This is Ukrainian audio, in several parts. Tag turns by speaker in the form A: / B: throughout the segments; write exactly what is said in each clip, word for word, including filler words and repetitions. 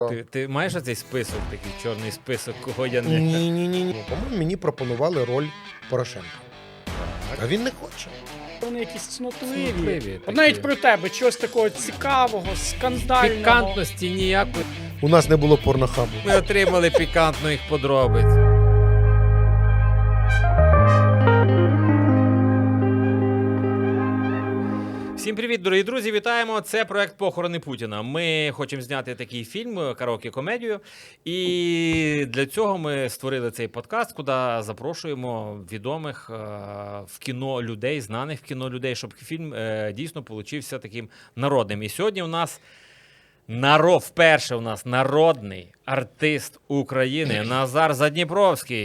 A: Ти, ти маєш оцей список, такий чорний список, кого я не...
B: Ні, ні, ні, ні. По-моєму, мені пропонували роль Порошенка. А він не хоче.
C: Вони якісь цнотливі.
A: Цнотливі
C: От
A: такі.
C: навіть про тебе, чогось такого цікавого, скандального.
A: Пікантності ніякої.
B: У нас не було порнохабу.
A: Ми отримали пікантних подробиць. Всім привіт, дорогі друзі, вітаємо. Це проект «Похорони Путіна». Ми хочемо зняти такий фільм, караоке-комедію. І для цього ми створили цей подкаст, куди запрошуємо відомих е, в кіно людей, знаних в кіно людей, щоб фільм е, дійсно получився таким народним. І сьогодні у нас народ, вперше у нас народний артист України Назар Задніпровський.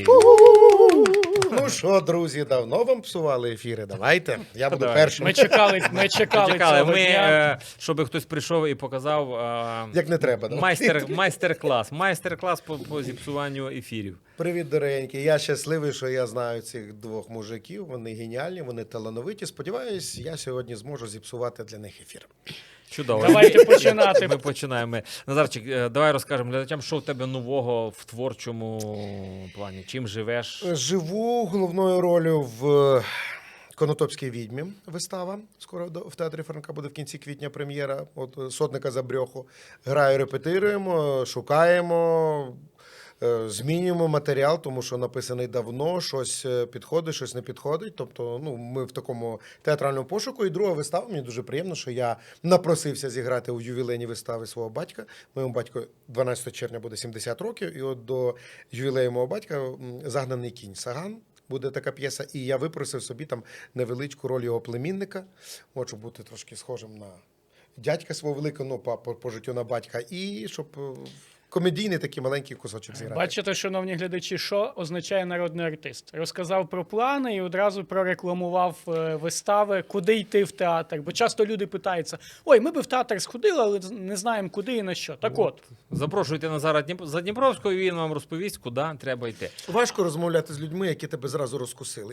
B: Ну що, друзі, давно вам псували ефіри? Давайте. Я буду
A: Давай.
B: першим.
C: Ми чекали, ми чекали,
A: Чекали,
C: цього
A: ми,
C: дня.
A: е, щоб хтось прийшов і показав е,
B: Як не треба, да?
A: майстер, майстер-клас. Майстер-клас по, по зіпсуванню ефірів.
B: Привіт, дорогенькі. Я щасливий, що я знаю цих двох мужиків. Вони геніальні, вони талановиті. Сподіваюсь, я сьогодні зможу зіпсувати для них ефір.
A: Чудово.
C: Давайте починати.
A: Ми починаємо. Назарчик, е, давай розкажемо глядачам, що в тебе нового в творчому плані. Чим живеш?
B: Живу головною ролью в Конотопській відьмі. Вистава. Скоро до- в театрі Франка буде в кінці квітня прем'єра. От сотника за брьоху. Граю, репетируємо, шукаємо. Е, Змінюємо матеріал, тому що написаний давно, щось е, підходить, щось не підходить. Тобто, ну, ми в такому театральному пошуку. І друга вистава, мені дуже приємно, що я напросився зіграти у ювілейній виставі свого батька. Моєму батьку дванадцятого червня буде сімдесят років, і от до ювілею мого батька м, «Загнаний кінь» Саган. Буде така п'єса, і я випросив собі там невеличку роль його племінника. Хочу бути трошки схожим на дядька свого великого, ну, по, по, по життю на батька, і щоб е, комедійний такий маленький кусочок зіграти.
C: Бачите, шановні глядачі, що означає народний артист. Розказав про плани і одразу прорекламував е, вистави, куди йти в театр. Бо часто люди питаються, ой, ми би в театр сходили, але не знаємо, куди і на що. Так от,
A: Запрошуйте Назара Дніп- Задніпровського, і він вам розповість, куди треба йти.
B: Важко розмовляти з людьми, які тебе зразу розкусили.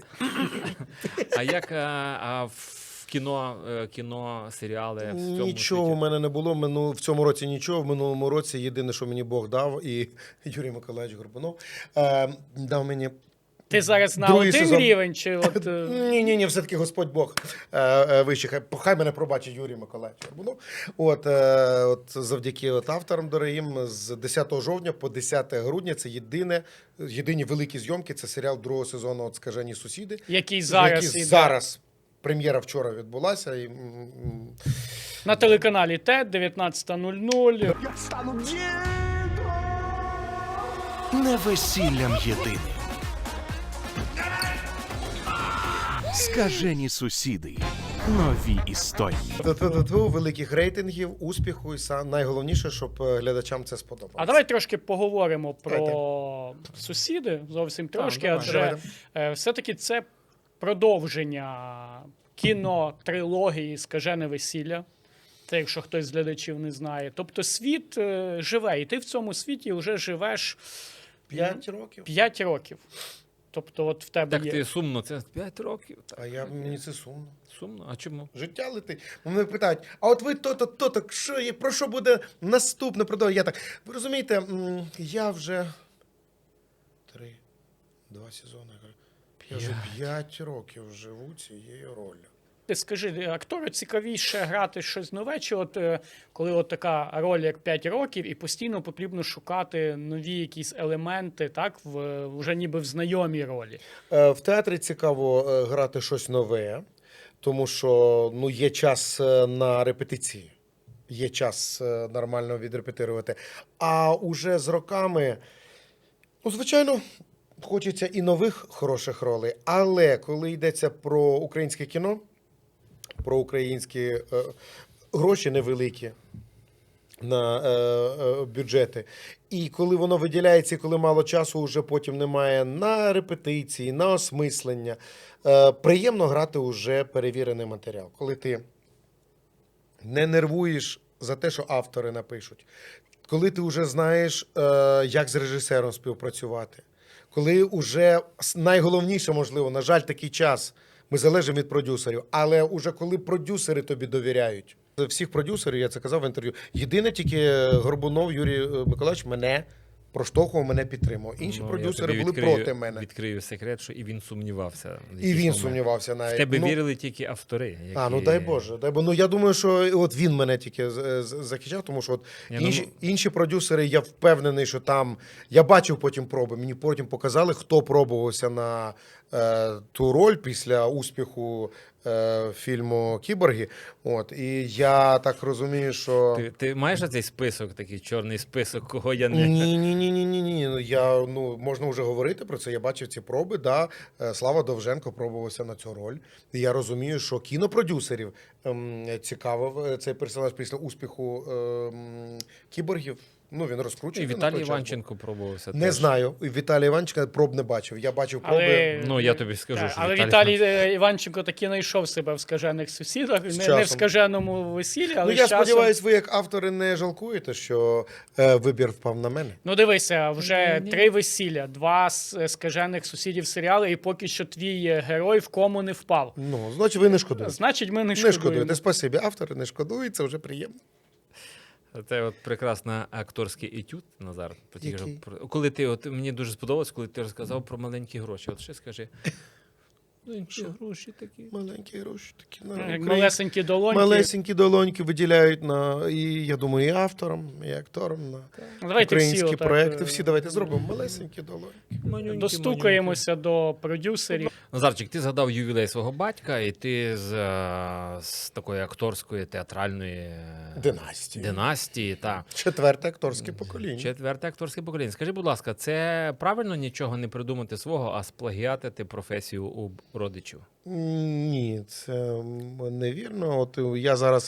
A: А як а, а в кіно, е, кіно, серіали в цьому
B: Нічого у
A: світі?
B: мене не було. Мину, в цьому році нічого. В минулому році єдине, що мені Бог дав, і Юрій Миколаївич Горбунов е, дав мені.
C: ти зараз на
B: Другий
C: один
B: сезон.
C: рівень, чи от... е,
B: Ні, ні, ні, все-таки Господь Бог е, е, вищий. Хай, хай мене пробачить Юрій Миколаївич Горбунов. От, е, от завдяки от авторам дорогим, з десятого жовтня по десяте грудня це єдине, єдині великі зйомки. Це серіал другого сезону «От скажені сусіди».
C: який зараз
B: який
C: іде
B: зараз. Прем'єра вчора відбулася. І, м, м,
C: на телеканалі ТЕД, дев'ятнадцята нуль нуль.
D: Не весіллям єдиним. Скажені сусіди. Нові історії.
B: Ту-ту-ту-ту, великих рейтингів, успіху і сам найголовніше, щоб е, глядачам це сподобалося.
C: А давай трошки поговоримо про
B: Давайте.
C: сусіди, зовсім трошки,
A: давай.
C: адже
B: Давайте.
C: е, все-таки це продовження кінотрилогії «Скажене весілля». Це, якщо хтось з глядачів не знає. Тобто світ е, живе, і ти в цьому світі вже живеш
B: П'ять років.
C: п'ять років. Тобто от в тебе
A: Так
C: є...
A: ти сумно, це п'ять років. Так.
B: А я, мені це сумно.
A: Сумно? А чому?
B: Життя летить. Мене питають, а от ви то-то, то-то, що є, про що буде наступне продовження? Я так, ви розумієте, м, я вже три, два сезони, я вже п'ять років живу цією ролью.
C: Ти скажи, актору цікавіше грати щось нове, чи от е, коли от така роль, як п'ять років, і постійно потрібно шукати нові якісь елементи, так, в, вже ніби в знайомій ролі.
B: Е, В театрі цікаво е, грати щось нове, тому що ну, є час е, на репетиції, є час е, нормально відрепетирувати. А уже з роками, ну, звичайно, хочеться і нових хороших ролей, але коли йдеться про українське кіно, про українські е, гроші невеликі на е, е, бюджети. І коли воно виділяється, і коли мало часу, вже потім немає на репетиції, на осмислення. Е, приємно грати уже перевірений матеріал. Коли ти не нервуєш за те, що автори напишуть. Коли ти вже знаєш, е, як з режисером співпрацювати. Коли вже найголовніше, можливо, на жаль, такий час, ми залежимо від продюсерів, але уже коли продюсери тобі довіряють, Всіх продюсерів, я це казав в інтерв'ю. Єдине тільки Горбунов Юрій Миколаївич мене проштовхував, мене підтримував. Інші
A: Ну, я
B: продюсери
A: тобі
B: були
A: відкрию-
B: проти мене.
A: Відкрию секрет, що і він сумнівався. в
B: І
A: якийсь
B: він
A: момент.
B: сумнівався
A: В
B: навіть.
A: тебе
B: Ну,
A: вірили тільки автори. Які...
B: А, ну дай Боже, дай Боже. Ну я думаю, що от він мене тільки з- з- захищав, тому що от
A: Ні, ну,
B: інші, інші продюсери, я впевнений, що там. Я бачив потім проби. Мені потім показали, хто пробувався на е, ту роль після успіху е, фільму Кіборги. От і я так розумію, що
A: Ти, ти маєш цей список, такий чорний список, кого я не.
B: ні, ні, ні, ні, ні, ні. Ну я ну можна вже говорити про це. Я бачив ці проби. Да, Е, Слава Довженко пробувався на цю роль. І я розумію, що кінопродюсерів ем, цікавив е, цей персонаж після успіху ем, кіборгів. Ну він
A: І
B: розкручений. на
A: Віталій
B: той час
A: Іванченко пробувався.
B: був. Не
A: теж.
B: знаю. Віталія Іванченка проб не бачив. Я бачив проби.
C: Але,
A: Ну, я тобі скажу,
C: Так,
A: що
C: але
A: Віталій
C: Віталій е, Іванченко таки знайшов себе в скажених сусідах, не, не в
B: часом.
C: скаженому весіллі, але
B: Ну я
C: з часом...
B: сподіваюся, ви як автори не жалкуєте, що е, вибір впав на мене.
C: Ну дивися, вже
A: Ні.
C: три весілля, два з скажених сусідів серіали, і поки що твій е, герой в кому не впав.
B: Ну значить, ви не шкодуєте.
C: Значить, ми не
B: Не
C: шкодуємо.
B: шкодуєте. Спасибі. Автори не шкодують, це вже приємно.
A: Це от прекрасний акторський етюд, Назар. Про ті,
B: Який?
A: що про- Коли ти, от мені дуже сподобалось, коли ти розказав про маленькі гроші. От ще скажи. Маленькі гроші такі.
B: Маленькі гроші такі на
C: Як
B: Україні.
C: малесенькі долоньки.
B: Малесенькі долоньки виділяють на і я думаю, і авторам, і акторам на
C: Ну, давайте
B: українські
C: всі отак,
B: проекти.
C: е,
B: Всі давайте зробимо малесенькі долоньки.
A: Манюнькі,
C: Достукаємося до продюсерів.
A: Назарчик, ти згадав ювілей свого батька, і ти з, е, з такої акторської театральної е,
B: Династії.
A: династії та
B: Четверте акторське покоління.
A: четверте акторське покоління. Скажи, будь ласка, це правильно нічого не придумати свого, а сплагіатити професію у родичів?
B: Ні, це м, невірно. От я зараз.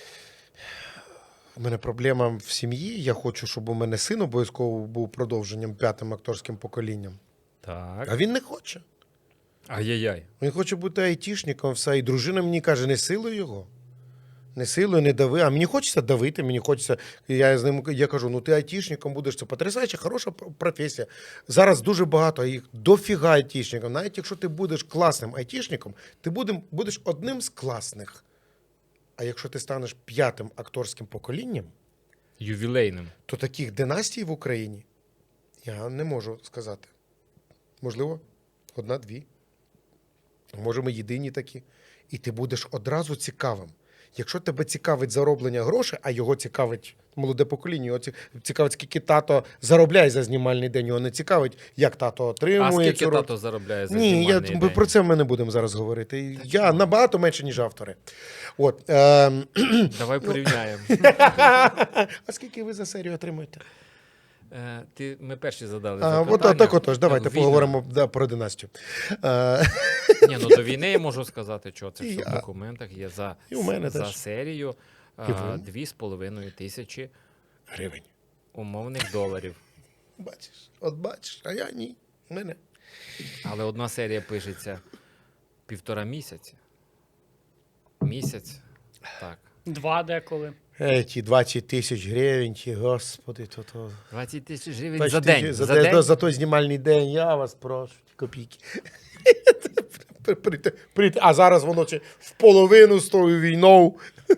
B: У мене проблема в сім'ї. Я хочу, щоб у мене син обов'язково був продовженням п'ятим акторським поколінням.
A: Так.
B: А він не хоче.
A: Ай-яй-яй.
B: Він хоче бути айтішником, все. І дружина мені каже, не силуй його. Не силуй, не дави. А мені хочеться давити, мені хочеться. Я з ним я кажу: ну ти айтішником будеш, це потрясаюча, хороша професія. Зараз дуже багато їх дофіга айтішників. Навіть якщо ти будеш класним айтішником, ти будем- будеш одним з класних. А якщо ти станеш п'ятим акторським поколінням,
A: Ювілейним.
B: то таких династій в Україні я не можу сказати. Можливо, одна-дві. Може, ми єдині такі. І ти будеш одразу цікавим. Якщо тебе цікавить зароблення грошей, а його цікавить молоде покоління, його ці- цікавить, скільки тато заробляє за знімальний день, його не цікавить, як тато
A: А
B: отримує
A: скільки
B: цю роль.
A: тато заробляє за
B: Ні, я,
A: знімальний
B: ми
A: день?
B: про це ми не будемо зараз говорити. Я набагато менше, ніж автори. От, ем,
A: Давай порівняємо.
B: а скільки ви за серію отримуєте?
A: Е, Ти, ми перші задали
B: А,
A: запитання.
B: от так отож, давайте
A: Війна.
B: поговоримо да, про династію. Е,
A: Ні, ну до війни я можу сказати, що це
B: І
A: все в
B: я.
A: документах є за,
B: І у мене
A: за
B: теж.
A: серію
B: І ви.
A: дві з половиною тисячі
B: Гривень.
A: умовних доларів.
B: Бачиш, от бачиш, а я ні. Мене.
A: Але одна серія пишеться півтора місяці. Місяць. Так.
C: Два деколи.
B: Ей, ті двадцять тисяч гривень, ті, господи, то то.
A: двадцять тисяч гривень
B: двадцять
A: за день.
B: тисяч-
A: За,
B: за,
A: день.
B: за, за той знімальний день, я вас прошу, ті копійки. Прийти- прийти. А зараз воно ще в половину з тою війною.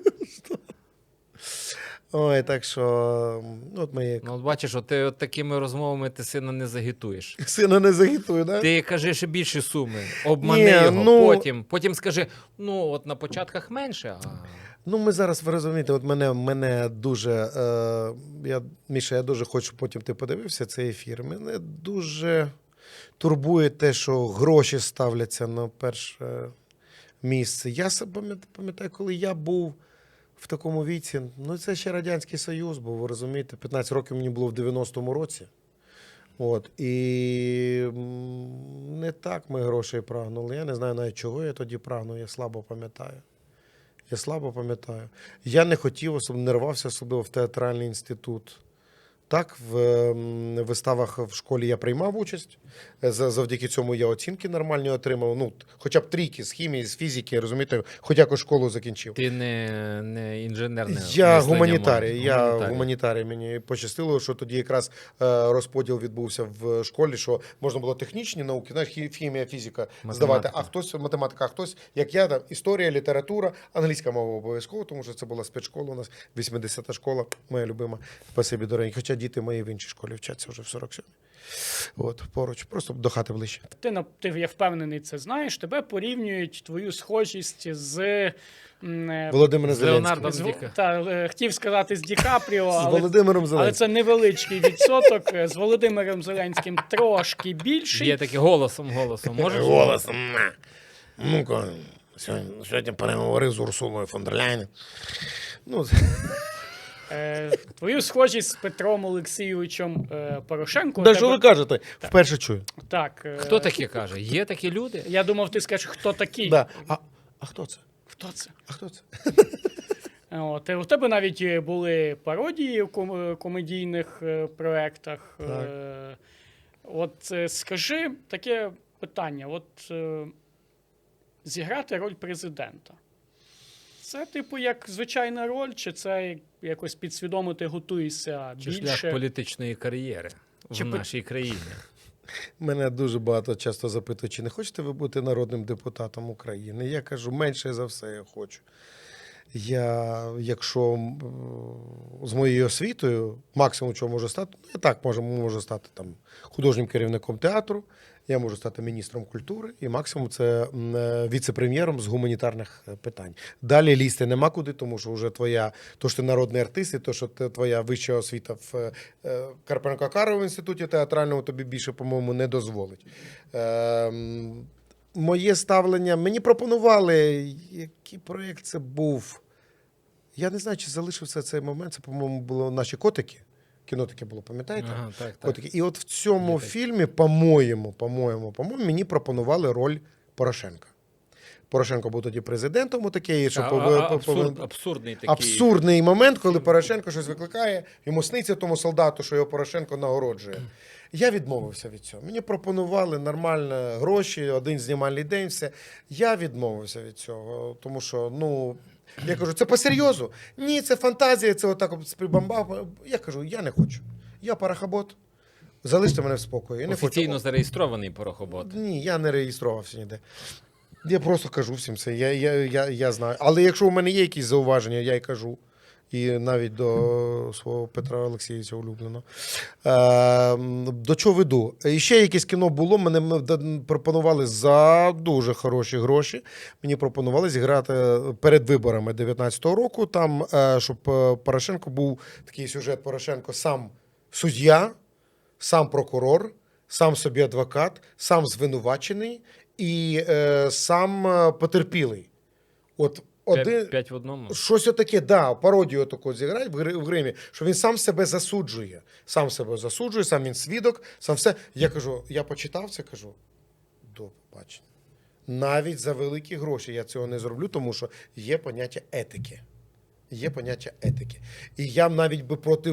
B: Ой, так що, ну, от моє
A: Ну, от бачиш, от ти от такими розмовами ти сина не загітуєш.
B: сина не загітую, да?
A: Ти кажи ще більші суми, обмани
B: Ні,
A: його,
B: ну-
A: потім, потім скажи, ну от на початках менше, а
B: Ну, ми зараз, ви розумієте, от мене, мене дуже, е, я, Міша, я дуже хочу, потім ти подивився цей ефір, мене дуже турбує те, що гроші ставляться на перше місце. Я себе пам'ят- пам'ятаю, коли я був в такому віці, ну це ще Радянський Союз був, ви розумієте, п'ятнадцять років мені було в дев'яностому році. От, і м, не так ми грошей прагнули. Я не знаю навіть, чого я тоді прагнув, я слабо пам'ятаю. Я слабо пам'ятаю. Я не хотів, особливо, не рвався особливо в театральний інститут. Так, в ем, виставах в школі я приймав участь. Е, за- Завдяки цьому я оцінки нормальні отримав. Ну, хоча б трійки з хімії, з фізики, розумієте, хоч якось школу закінчив.
A: Ти не, не інженерне
B: Я
A: мислення
B: гуманітарій.
A: маєш.
B: Я
A: Гуманітарій.
B: гуманітарій. Мені пощастило, що тоді якраз е, розподіл відбувся в школі, що можна було технічні науки, знаєш, хі- хімія, фізика здавати, а хтось математика, а хтось, як я, там, історія, література, англійська мова обов'язково, тому що це була спецшкола у нас, вісімдесята школа, моя любима. Спасибі, дорогі. Хоча діти мої в іншій школі вчаться вже в сорок сьомій. От, поруч, просто до хати ближче.
C: Ти, на- ти, я впевнений, це знаєш. Тебе порівнюють твою схожість з м, е,
B: Володимир
A: З
B: Зеленський.
A: Леонардом
C: з,
A: Ді-
C: та, е, хотів сказати з Ді Капріо,
B: З
C: але,
B: Володимиром
C: але
B: Зеленським.
C: це невеличкий відсоток. Е, З Володимиром Зеленським трошки більший.
A: Є таке голосом, голосом. Можеш?
B: Голосом. на. Ну-ка, сьогодні, сьогодні переговорив з Урсулою фон дер Ляйн. Ну,
C: Е, Твою схожість з Петром Олексійовичем е, Порошенко. у
B: да
C: тебе-
B: що ви кажете? Вперше чую.
C: Так. е,
A: Хто таке каже? Є такі люди?
C: Я думав, ти скажеш, хто такий.
B: Да. А, а хто це?
C: Хто це?
B: А хто це?
C: От, і у тебе навіть е, були пародії в ком- комедійних е, проєктах.
B: Так.
C: Е, От е, скажи таке питання: от е, зіграти роль президента. Це, типу, як звичайна роль, чи це якось підсвідомо ти готуєшся
A: Чи шлях
C: більше?
A: політичної кар'єри
C: Чи
A: в
C: пи-
A: нашій країні?
B: Мене дуже багато часто запитують, чи не хочете ви бути народним депутатом України? Я кажу, менше за все я хочу. Я, якщо м, з моєю освітою, максимум, чого можу стати, ну, я так можу, можу стати там, художнім керівником театру, я можу стати міністром культури, і максимум це м, е, віце-прем'єром з гуманітарних е, питань. Далі лізти нема куди, тому що вже твоя, то, що ти народний артист, і то, що ти, твоя вища освіта в е, Карпенко-Каровому інституті театральному тобі більше, по-моєму, не дозволить. Е, м, Моє ставлення, мені пропонували, який проєкт це був. Я не знаю, чи залишився цей момент. Це, по-моєму, було наші котики. Кіно таке було, пам'ятаєте?
A: Ага, так, так.
B: Котики. І от в цьому
A: Є таке.
B: фільмі, по-моєму, по-моєму, по-моєму, мені пропонували роль Порошенка. Порошенко був тоді президентом, отакий, що
A: А,
B: пов-
A: а,
B: пов-
A: абсурд, абсурдний такий.
B: абсурдний момент, коли Порошенко щось викликає, йому сниться тому солдату, що його Порошенко нагороджує. Я відмовився від цього. Мені пропонували нормально гроші, один знімальний день, все. Я відмовився від цього, тому що, ну, я кажу, це по-серйозу? Ні, це фантазія, це отак от прибамбав. Я кажу, я не хочу. Я парахабот. Залиште мене в спокої. Я не
A: Офіційно
B: хочу.
A: зареєстрований порохобот.
B: Ні, я не реєструвався ніде. Я просто кажу всім це. Я, я, я, я знаю. Але якщо у мене є якісь зауваження, я й кажу. І навіть до свого Петра Олексійовича улюбленого. Е, до чого веду? І ще якесь кіно було, мене м- д- пропонували за дуже хороші гроші. Мені пропонували зіграти перед виборами дев'ятнадцятого року, там, е, щоб е, Порошенко був такий сюжет Порошенко сам суддя, сам прокурор, сам собі адвокат, сам звинувачений і е, сам е, потерпілий. От один...
A: П'ять, п'ять в одному.
B: Щось отаке, да, пародію таку зіграють в гри- в гримі, що він сам себе засуджує. Сам себе засуджує, сам він свідок, сам все. Я кажу, я почитав це, кажу, до побачення. Навіть за великі гроші я цього не зроблю, тому що є поняття етики. Є поняття етики. І я навіть би проти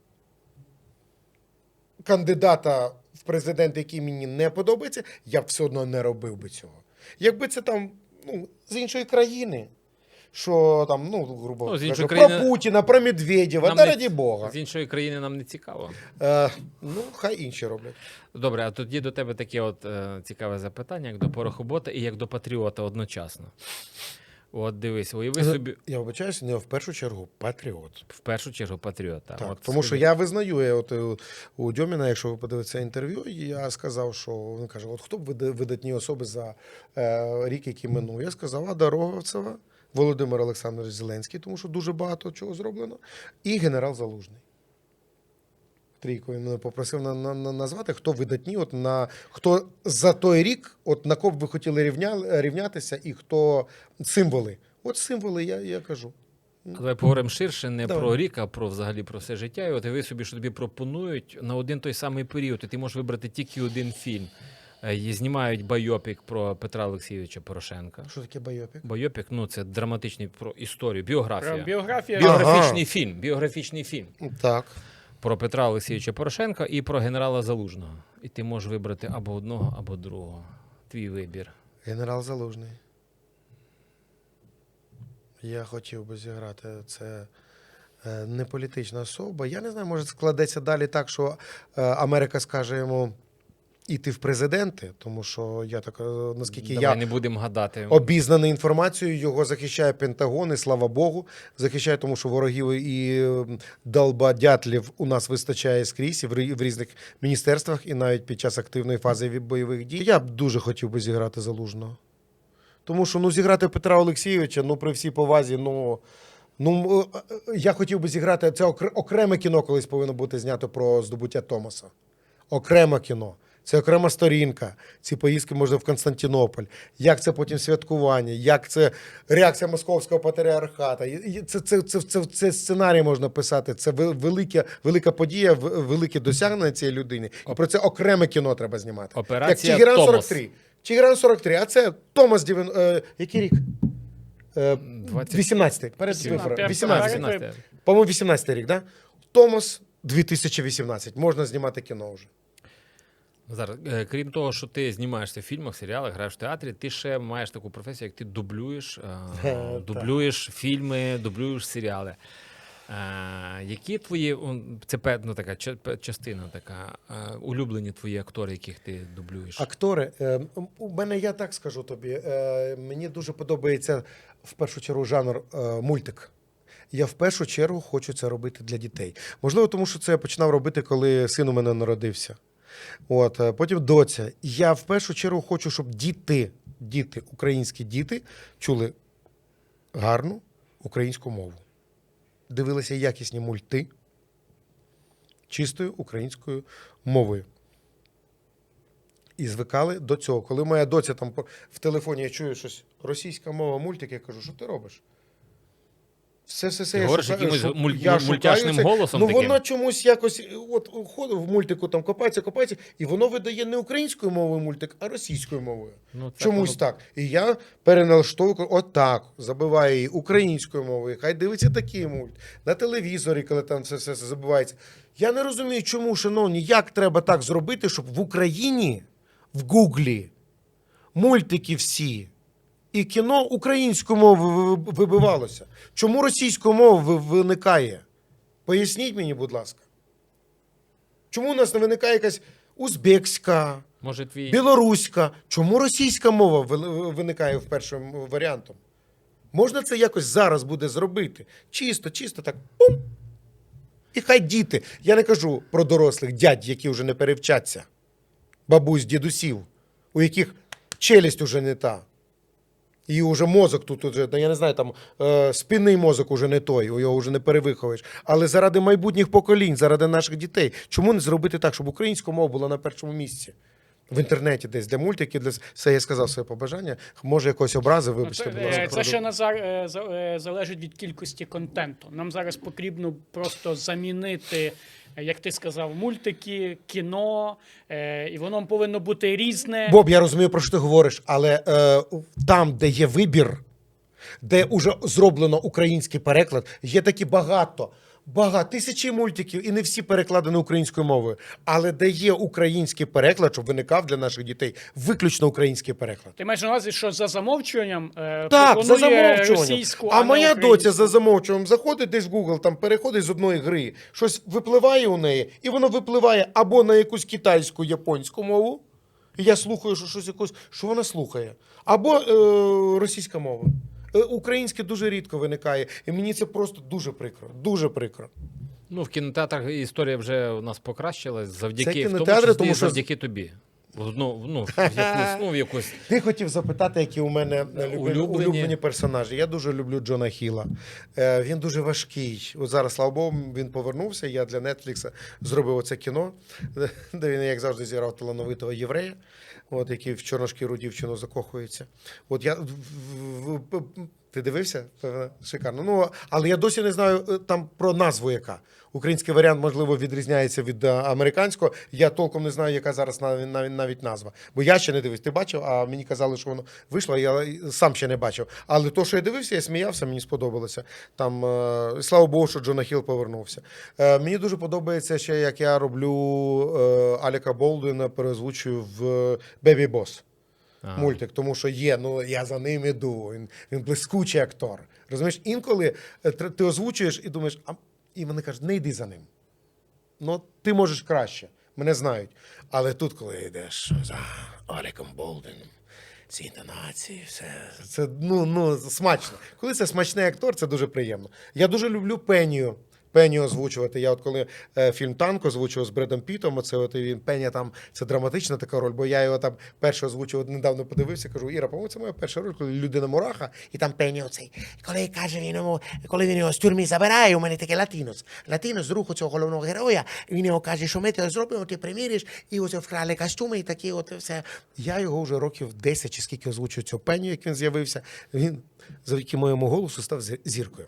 B: кандидата в президенти, який мені не подобається, я б все одно не робив би цього. Якби це там, ну, з іншої країни, що там, ну, грубо
A: Ну, з
B: кажучи,
A: іншої
B: про
A: країни-
B: Путіна, про Медведєва,
A: Нам
B: та
A: не-
B: раді Бога.
A: З іншої країни нам не цікаво.
B: Е, ну, хай інші роблять.
A: Добре, а тоді до тебе таке от е, цікаве запитання, як до порохобота і як до патріота одночасно. От дивись, уяви собі
B: Я вибачаюся, не в першу чергу патріот.
A: в першу чергу патріота.
B: Так,
A: От
B: тому
A: скажи-
B: що я визнаю, я от е, у Дьоміна, якщо ви подивитеся інтерв'ю, я сказав, що він каже: от хто б вида- видатні особи за е, рік, який минув? Я сказав, Ада Роговцева, Володимир Олександрович Зеленський, тому що дуже багато чого зроблено, і генерал Залужний. Трійку він мене попросив на, на, на, назвати, хто видатні, от на хто за той рік, от на кого б ви хотіли рівня, рівнятися, і хто символи. От символи, я, я кажу.
A: Давай поговоримо ширше не
B: Давай.
A: про рік, а про взагалі про все життя. І от ви собі, що тобі пропонують на один той самий період, і ти можеш вибрати тільки один фільм. Е, і знімають байопік про Петра Олексійовича Порошенка.
B: Що таке байопік?
A: Байопік, ну це драматичний про історію, біографія.
C: Про біографія.
B: Біо-
A: Біографічний
B: Ага.
A: фільм. Біографічний фільм.
B: Так.
A: про Петра Олексійовича Порошенка і про генерала Залужного. І ти можеш вибрати або одного, або другого. Твій вибір.
B: Генерал Залужний. Я хотів би зіграти. Це е, не політична особа. Я не знаю, може складеться далі так, що е, Америка скаже йому іти в президенти, тому що я так, е, наскільки
A: Давай
B: я
A: не будемо гадати.
B: обізнаний інформацією, його захищає Пентагон, і слава Богу, захищає, тому що ворогів і е, долбодятлів у нас вистачає скрізь і в рі- в різних міністерствах, і навіть під час активної фази ві- бойових дій. Я б дуже хотів би зіграти Залужного. Тому що ну, зіграти Петра Олексійовича, ну при всій повазі, ну, ну е, е, я хотів би зіграти, це окр- окреме кіно колись повинно бути знято про здобуття Томаса. Окреме кіно. Це окрема сторінка. Ці поїздки можна в Константинополь. Як це потім святкування, як це реакція московського патріархата. І- і Це, це, це, це, це сценарій можна писати. Це вел- велика, велика подія, в- велике досягнення цієї людини. І про це окреме кіно треба знімати.
A: Операція
B: Як Тігран
A: «Томос».
B: сорок три. Тігран сорок три, а це Томас Дівен... Е, який рік? Е,
A: двадцять
B: вісімнадцятий. Перед
C: Вісімнадцятий.
B: виборами.
C: вісімнадцятий.
B: вісімнадцятий. По-моєму, вісімнадцятий рік, да? Томас дві тисячі вісімнадцять. Можна знімати кіно вже.
A: Зараз, е, крім того, що ти знімаєшся в фільмах, серіалах, граєш в театрі, ти ще маєш таку професію, як ти дублюєш, е,
B: Так.
A: дублюєш фільми, дублюєш серіали. Е, які твої, он, це певна така ча- пе- частина така, е, улюблені твої актори, яких ти дублюєш?
B: Актори, е, у мене, я так скажу тобі, е, мені дуже подобається в першу чергу жанр е, мультик. Я в першу чергу хочу це робити для дітей. Можливо, тому що це я починав робити, коли син у мене народився. От, е, потім доця. Я в першу чергу хочу, щоб діти, діти, українські діти чули гарну українську мову. Дивилися якісні мульти чистою українською мовою. І звикали до цього. Коли моя доця там по- в телефоні я чую щось російська мова, мультик, я кажу, що ти робиш? Все, все, все.
A: Ти
B: я
A: говориш
B: шукаю,
A: якимось
B: шу-
A: муль-
B: я
A: муль-
B: шукаю
A: мультяшним
B: це.
A: голосом
B: Ну,
A: таким?
B: воно чомусь якось, от ходить в мультику, там копається, копається, і воно видає не українською мовою мультик, а російською мовою.
A: Ну, так
B: Чомусь
A: воно-
B: так. І я переналаштовую, отак, забиваю її українською мовою, хай дивиться такий мульт. На телевізорі, коли там все, все, все забувається. Я не розумію, чому, шановні, як треба так зробити, щоб в Україні, в Гуглі, мультики всі і кіно українською мовою ви- вибивалося. Чому російською мовою ви- виникає? Поясніть мені, будь ласка. Чому у нас не виникає якась узбекська,
A: Може, твій...
B: білоруська? Чому російська мова ви- виникає в першим варіантом? Можна це якось зараз буде зробити? Чисто, чисто так. Пум. І хай діти. Я не кажу про дорослих дядь, які вже не перевчаться. Бабусь, дідусів, у яких челюсть уже не та. І вже мозок тут, уже, я не знаю, там е, спинний мозок уже не той, його вже не перевиховуєш. Але заради майбутніх поколінь, заради наших дітей, чому не зробити так, щоб українська мова була на першому місці? В інтернеті десь, для мультиків, для все, я сказав своє побажання. Може, якось образи,
C: Ну,
B: вибачте,
C: Це,
B: будь
C: е,
B: ласка.
C: це ще Назар е, за- е, залежить від кількості контенту. Нам зараз потрібно просто замінити, е, як ти сказав, мультики, кіно, е, і воно повинно бути різне.
B: Боб, я розумію, про що ти говориш, але е, там, де є вибір, де вже зроблено український переклад, є такі багато, багато, тисячі мультиків, і не всі перекладені українською мовою. Але де є український переклад, щоб виникав для наших дітей, виключно український переклад.
C: Ти маєш на увазі, що за замовчуванням е,
B: Так, за
C: пропонує
B: замовчуванням.
C: російську,
B: А
C: не
B: моя
C: українську.
B: доця за замовчуванням заходить десь в Google, там переходить з одної гри, щось випливає у неї, і воно випливає або на якусь китайську, японську мову, і я слухаю, що щось якось, що вона слухає, або е, російська мова. Е, Українське дуже рідко виникає, і мені це просто дуже прикро, дуже прикро.
A: Ну, в кінотеатрах історія вже у нас покращилась завдяки,
B: Це
A: в тому
B: кінотеатри,
A: числі
B: тому що-
A: завдяки тобі. Ну, ну, в якусь, ну, в якусь...
B: Ти хотів запитати, які у мене улюблені,
A: Улюблені.
B: улюблені персонажі. Я дуже люблю Джона Хіла. Е, він дуже важкий. От зараз, слава Богу, він повернувся. Я для Нетфлікса зробив оце кіно, де він, як завжди, зіграв талановитого єврея, от, який в чорношкіру дівчину закохується. От я в- в- в- Ти дивився? Певно, шикарно. Ну, але я досі не знаю е, там про назву яка. Український варіант, можливо, відрізняється від е, американського. Я толком не знаю, яка зараз навіть, навіть, навіть назва. Бо я ще не дивився. Ти бачив, а мені казали, що воно вийшло, а я сам ще не бачив. Але то, що я дивився, я сміявся, мені сподобалося. Там, е, слава Богу, що Джона Хілл повернувся. Е, мені дуже подобається ще, як я роблю е, Аліка Болдуїна, переозвучую в «Бебі Бос».
A: А.
B: Мультик, тому що є, ну я за ним іду, він, він блискучий актор. Розумієш, інколи е, тр- ти озвучуєш і думаєш, а і вони кажуть, не йди за ним. Ну, ти можеш краще, мене знають. Але тут, коли йдеш за Аліком Болдуїном, ці інтонації, все, це ну, ну, смачно. Коли це смачний актор, це дуже приємно. Я дуже люблю Пенію. Пеню озвучувати. Я от коли е, фільм «Танк» озвучував з Бредом Пітом, оце от він Пеня там, це драматична така роль, бо я його там перше озвучував, недавно подивився, кажу, Іра, по-моєму, це моя перша роль, коли людина мураха, і там Пеня оцей. Коли каже він йому, коли він його з тюрмі забирає, у мене таке латинос. Латинос з руху цього головного героя, і він його каже, що ми тебе зробимо, ти приміриш, і ось вкрали костюми, і такі от все. Я його вже років десять чи скільки озвучую цю Пеню, як він з'явився. Він завдяки моєму голосу став зі- зіркою.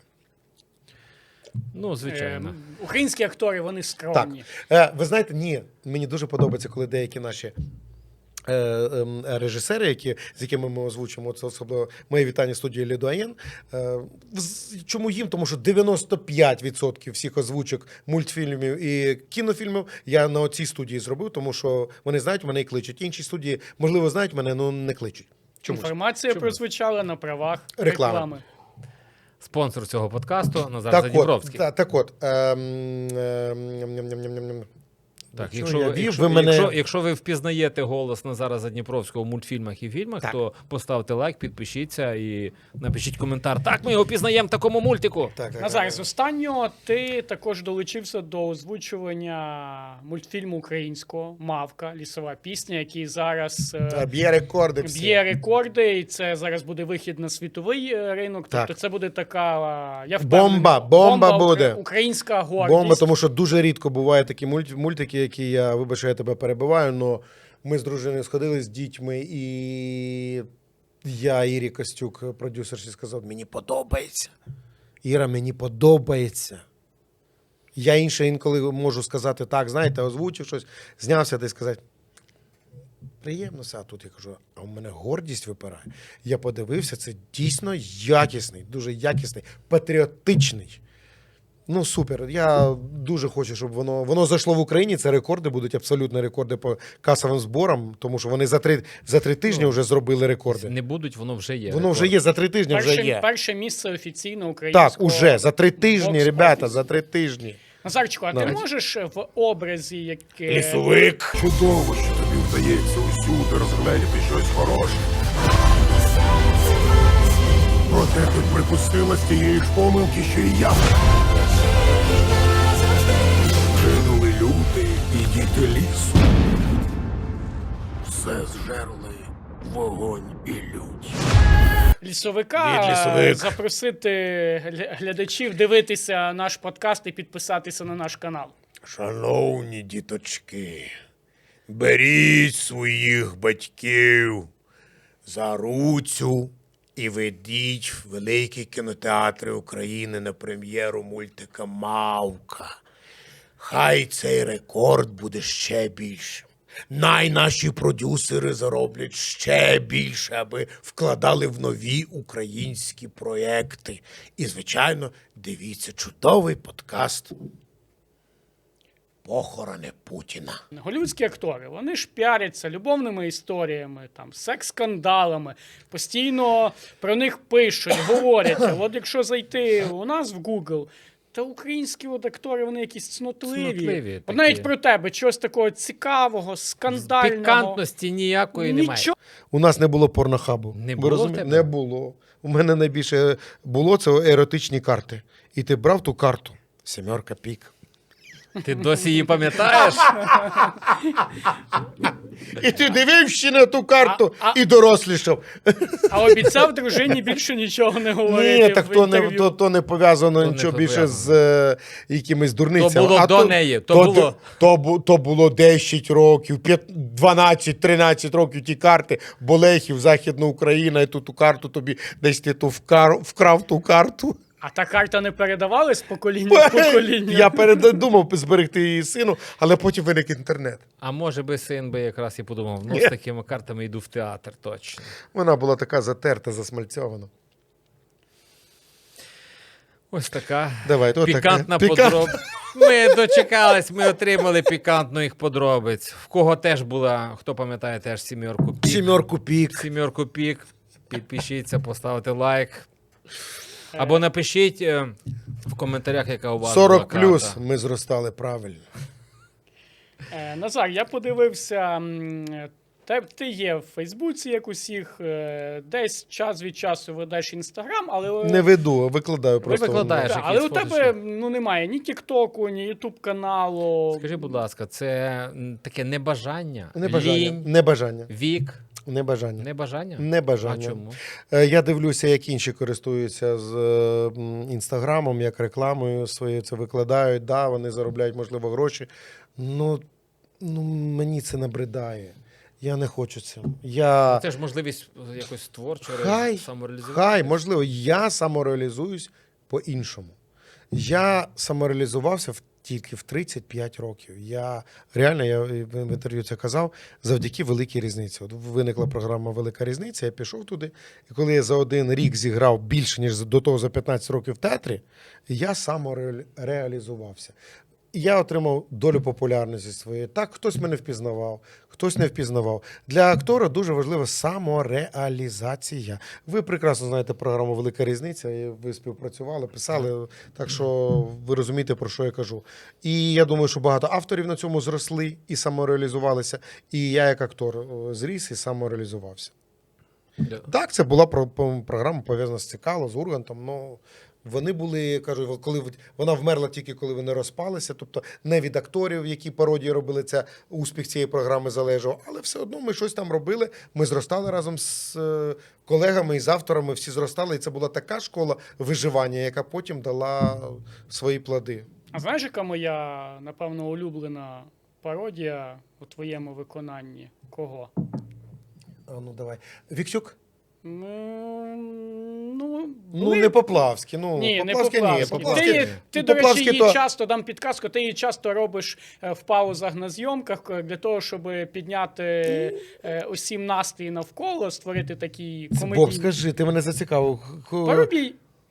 A: Ну, звичайно.
C: Е, Українські актори, вони
B: Так.
C: скромні.
B: Е, ви знаєте, ні, мені дуже подобається, коли деякі наші е, е, режисери, які, з якими ми озвучимо, це особливо моє вітання студії Лідуаєн. Е, з- чому їм? Тому що дев'яносто п'ять відсотків всіх озвучок мультфільмів і кінофільмів я на цій студії зробив, тому що вони знають мене і кличуть. Інші студії, можливо, знають мене, але не кличуть. Чомусь.
C: Інформація прозвучала на правах
B: Реклами.
C: реклами.
A: Спонсор цього подкасту Назар
B: Так от,
A: Задніпровський.
B: та, так от, ем, ем, ням-ням-ням-ням-ням.
A: Так,
B: Що
A: якщо,
B: я
A: ви-
B: вів,
A: якщо,
B: ви мене-
A: якщо, якщо ви впізнаєте голос Назара Задніпровського в мультфільмах і фільмах,
B: Так.
A: то поставте лайк, підпишіться і напишіть коментар. Так, ми його пізнаємо в такому мультику.
B: Так, так,
C: Назар,
B: так.
C: з останнього ти також долучився до озвучування мультфільму українського «Мавка. Лісова пісня», який зараз е,
B: Та, б'є рекорди всі.
C: б'є рекорди, і це зараз буде вихід на світовий е, ринок.
B: Так.
C: Тобто це буде така, е, я впевнений,
B: Бомба, бомба буде.
C: укра- українська гордість.
B: Бомба, тому що дуже рідко бувають такі мульт- мультики, які я, вибач, що я тебе перебиваю, але ми з дружиною сходили з дітьми, і я Ірі Костюк, продюсерші, сказав, мені подобається. Іра, мені подобається. Я інше інколи можу сказати так, знаєте, озвучив щось, знявся та й сказати, приємно все, а тут я кажу, а у мене гордість випирає. Я подивився, це дійсно якісний, дуже якісний, патріотичний. Ну, супер. Я дуже хочу, щоб воно воно зайшло в Україні. Це рекорди, будуть абсолютно рекорди по касовим зборам, тому що вони за три, за три тижні
A: Ну,
B: вже зробили рекорди.
A: Не будуть, воно вже є.
B: Воно вже
A: рекорд.
B: є, за три тижні вже
C: перше,
B: є.
C: перше місце офіційно українського.
B: Так, уже, за три тижні,
C: бокс-офісу.
B: ребята, за три тижні.
C: Назарчику, а ти
B: Навіть.
C: можеш в образі, яке...
B: Лісовик.
E: Чудово, що тобі вдається усюди розгледіти щось хороше. Проте ти припустила з тієї ж помилки, що і я. Гинули люди і діти лісу. Все зжерли вогонь і лють.
C: Лісовика
B: Від лісовик.
C: запросити гля- глядачів дивитися наш подкаст і підписатися на наш канал.
B: Шановні діточки, беріть своїх батьків за руцю і ведіть в великі кінотеатри України на прем'єру мультика «Мавка». Хай цей рекорд буде ще більшим. Най наші продюсери зароблять ще більше, аби вкладали в нові українські проекти. І, звичайно, дивіться чудовий подкаст «Похорони Путіна».
C: Голлівудські актори, вони ж піаряться любовними історіями, там, секс-скандалами, постійно про них пишуть, говорять. А от якщо зайти у нас в Google, та українські от актори, вони якісь цнотливі.
A: Цнотливі
C: От
A: такі.
C: навіть про тебе, чогось такого цікавого, скандального.
A: Пікантності ніякої немає.
C: Нічого.
B: У нас не було порнохабу.
A: Не
B: Ви
A: було в
B: розумієте?
A: тебе?
B: Не було. У мене найбільше було це еротичні карти. І ти брав ту карту. Сімерка пік.
A: Ти досі її пам'ятаєш?
B: І ти дивився на ту карту
C: А- а-
B: і дорослішав.
C: А обіцяв дружині більше нічого не говорити.
B: Ні, так
C: в
B: то не,
C: інтерв'ю.
B: то, то не пов'язано
A: То не
B: нічого більше
A: пов'язано.
B: з е, якимись дурницями.
A: То було
B: А
A: до неї, то було-
B: То, бу- то було десять років, дванадцять-тринадцять років ті карти, Болехів, Західна Україна, і ту ту карту тобі десь ти ту вкар, вкрав ту карту.
C: А та карта не передавалась з покоління в покоління?
B: Я передумав зберегти її сину, але потім виник інтернет.
A: А може би син би якраз і подумав, ну з такими картами йду в театр точно.
B: Вона була така затерта, засмальцьована.
A: Ось така
B: Давай, то
A: пікантна
B: таке.
A: подроб. Ми дочекались, ми отримали пікантних подробиць. В кого теж була, хто пам'ятає, теж сімерку пік.
B: Сімерку пік.
A: Сімерку пік. Підпишіться, поставте лайк. Або напишіть е, в коментарях, яка у вас
B: сорок
A: була
B: плюс
A: карта.
B: ми зростали правильно.
C: Е, Назар, я подивився, м, те, ти є в Фейсбуці, як усіх, е, десь час від часу ведеш Інстаграм, але...
B: Не веду, викладаю просто.
A: викладаєш.
C: Так,
A: якісь
C: але у тебе
A: фоточки.
C: ну, немає ні Тіктоку, ні Ютуб каналу.
A: Скажи, будь ласка, це м, таке небажання,
B: Небажання.
A: лінь,
B: Небажання.
A: вік,
B: Небажання.
A: небажання?
B: Небажання.
A: А чому?
B: Е, Я дивлюся, як інші користуються з е, м, інстаграмом, як рекламою своєю це викладають. Да, вони заробляють, можливо, гроші. Ну, ну мені це набридає. Я не хочу цим. Я...
A: Це ж можливість якось творчо
B: Хай,
A: самореалізувати.
B: хай, можливо, я самореалізуюсь по-іншому. Я самореалізувався в, тільки в тридцять п'ять років. Я реально, я в інтерв'ю це казав, завдяки великій різниці. От виникла програма Велика різниця, я пішов туди, і коли я за один рік зіграв більше, ніж до того за п'ятнадцять років в театрі, я самореалізувався. І я отримав долю популярності своєї. Так, хтось мене впізнавав, хтось не впізнавав. Для актора дуже важлива самореалізація. Ви прекрасно знаєте програму «Велика різниця», і ви співпрацювали, писали, так що ви розумієте, про що я кажу. І я думаю, що багато авторів на цьому зросли і самореалізувалися, і я як актор о, зріс і самореалізувався.
A: Да.
B: Так, це була про- по- програма пов'язана з Цикало, з Ургантом, ну... Вони були, кажу, коли вона вмерла тільки коли вони розпалися, тобто не від акторів, які пародії робили, це успіх цієї програми залежав, але все одно ми щось там робили. Ми зростали разом з е, колегами і з авторами, всі зростали, і це була така школа виживання, яка потім дала свої плоди.
C: А знаєш, яка моя, напевно, улюблена пародія у твоєму виконанні? Кого?
B: А ну давай. Вікчук?
C: Ну, ну,
B: Ну,
C: були-
B: не Поплавський. Ну,
C: Ні, не
B: Поплавський, ні.
C: Поплавський.
B: Поплавський,
C: Ти, ти до
B: Поплавський
C: речі, її
B: то-
C: часто, дам підказку, ти її часто робиш е, в паузах на зйомках е, для того, щоб підняти е, усім настрій навколо, створити такі
B: Боб,
C: комедійні...
B: скажи, ти мене зацікавив. Х-
C: Парубій.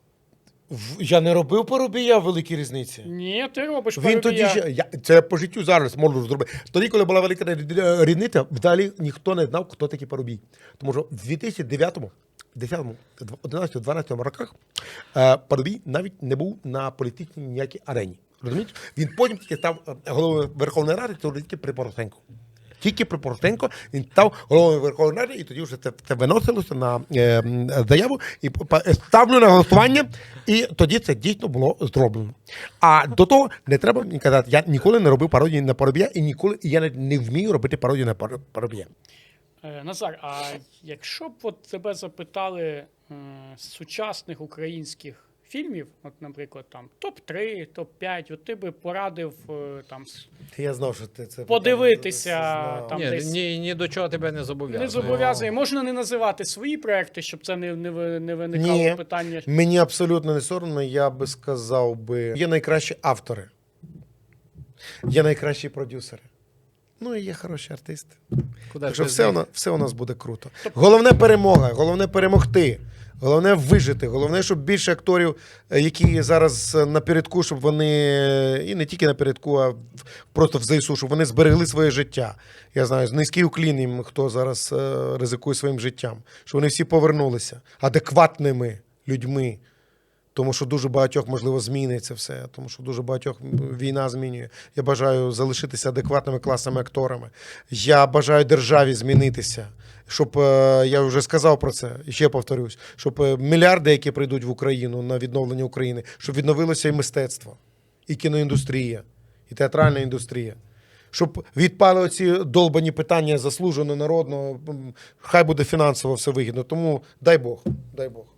B: В- Я не робив Парубія в великій різниці.
C: Ні, ти робиш
B: Він тоді
C: Парубія.
B: ще, я, це по життю зараз можу зробити. Тоді, коли була велика рі- різниця, взагалі ніхто не знав, хто такий Парубій. Тому що в дві тисячі дев'ятому, десятому, одинадцятому, дванадцятому роках е, Парубій навіть не був на політичній ніякій арені. Розумієте? Він потім тільки став е, головою Верховної Ради, то тільки при Порошенку. Тільки при Порошенко він став головою Верховної Ради, і тоді вже це, це виносилося на е, м, заяву, і па- ставлю на голосування, і тоді це дійсно було зроблено. А до того не треба мені казати, я ніколи не робив пародії на Парубія, і ніколи і я не, не вмію робити пародію на Пар- Парубія.
C: Е, Назар, а якщо б от тебе запитали е, з сучасних українських фільмів, от, наприклад, там топ три, топ п'ять, от ти би порадив е, там с-
B: Я знав, що ти це
C: Подивитися,
B: знав.
C: там
A: Ні,
C: десь-
A: ні, ні до чого тебе не зобов'язує.
C: не зобов'язує. Можна не називати свої проекти, щоб це не, не, ви- не виникало
B: Ні.
C: питання.
B: Мені абсолютно не соромно, я би сказав би, є найкращі автори, є найкращі продюсери. Ну і є хороші артисти.
A: Куди
B: Так
A: ж
B: що
A: без
B: все,
A: них?
B: у нас, все у нас буде круто. Головне перемога, головне перемогти, головне вижити, головне, щоб більше акторів, е, які зараз е, напередку, щоб вони, е, і не тільки напередку, а в- просто в ЗСУ, щоб вони зберегли своє життя. Я знаю, низький уклін їм, хто зараз е, ризикує своїм життям, щоб вони всі повернулися адекватними людьми. Тому що дуже багатьох, можливо, зміниться все, тому що дуже багатьох війна змінює. Я бажаю залишитися адекватними класними акторами. Я бажаю державі змінитися, щоб, е, я вже сказав про це, і ще повторюсь, щоб е, мільярди, які прийдуть в Україну на відновлення України, щоб відновилося і мистецтво, і кіноіндустрія, і театральна індустрія. Щоб відпали оці долбані питання заслужено народного, м, хай буде фінансово все вигідно. Тому дай Бог, дай Бог.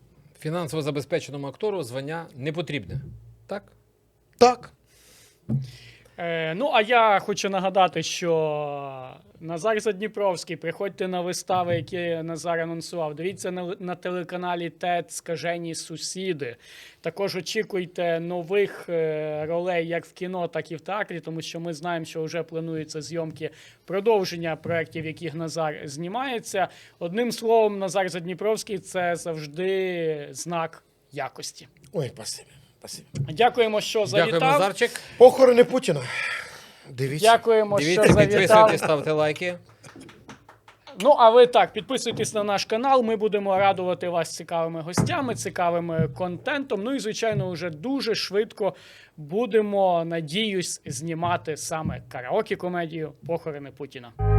A: Фінансово забезпеченому актору звання не потрібне. Так?
B: Так.
C: Е, ну, а я хочу нагадати, що Назар Задніпровський, приходьте на вистави, які Назар анонсував. Дивіться на, на телеканалі ТЕТ «Скажені сусіди». Також очікуйте нових е, ролей як в кіно, так і в театрі, тому що ми знаємо, що вже плануються зйомки продовження проєктів, яких Назар знімається. Одним словом, Назар Задніпровський – це завжди знак якості.
B: Ой, спасибі. спасибі.
C: Дякуємо, що завітав.
A: Дякуємо, Назарчик.
B: Похорони Путіна. Дивіться.
C: Дякуємо,
A: Дивіться,
C: що завітав.
A: підписуйтесь, ставте лайки.
C: Ну, а ви так, підписуйтесь на наш канал, ми будемо радувати вас цікавими гостями, цікавим контентом. Ну і, звичайно, вже дуже швидко будемо, надіюсь, знімати саме караоке-комедію «Похорони Путіна».